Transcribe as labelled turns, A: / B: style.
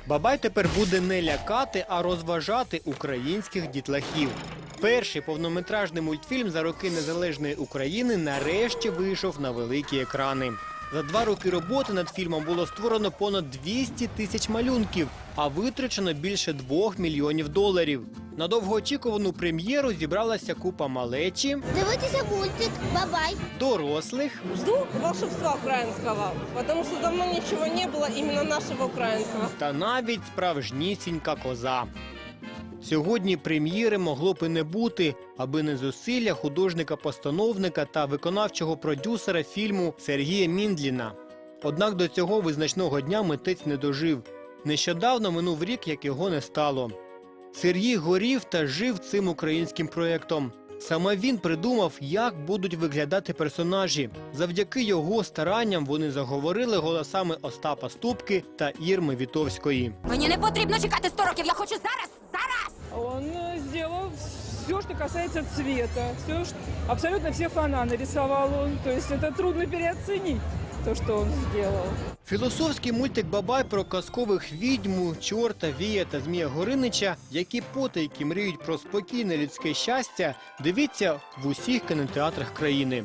A: Бабай тепер буде не лякати, а розважати українських дітлахів. Перший повнометражний мультфільм за роки незалежної України нарешті вийшов на великі екрани. За 2 роки роботи над фільмом було створено понад 200 тисяч малюнків, а витрачено більше $2 мільйонів. На довгоочікувану прем'єру зібралася купа малечі,
B: Дивитися мультик «Бабай».
A: дорослих
C: Жду волшебства украинского, потому что давно ничего не было именно нашего украинского.
A: та навіть справжнісінька коза. Сьогодні прем'єри могло б і не бути, аби не зусилля художника-постановника та виконавчого продюсера фільму Сергія Міндліна. Однак до цього визначного дня митець не дожив. Нещодавно минув рік, як його не стало. Сергій горів та жив цим українським проєктом. Саме він придумав, як будуть виглядати персонажі. Завдяки його старанням вони заговорили голосами Остапа Ступки та Ірми Вітовської.
D: Мені не потрібно чекати 100 років, я хочу зараз, зараз!
E: Он сделал все, что касается цвета. Абсолютно все фона нарисовал он. То есть это трудно переоценить, то, что он сделал.
A: Філософський мультик «Бабай» про казкових відьму, чорта, вія та Змія Горинича, які потайки мріють про спокійне людське щастя, дивіться в усіх кінотеатрах країни.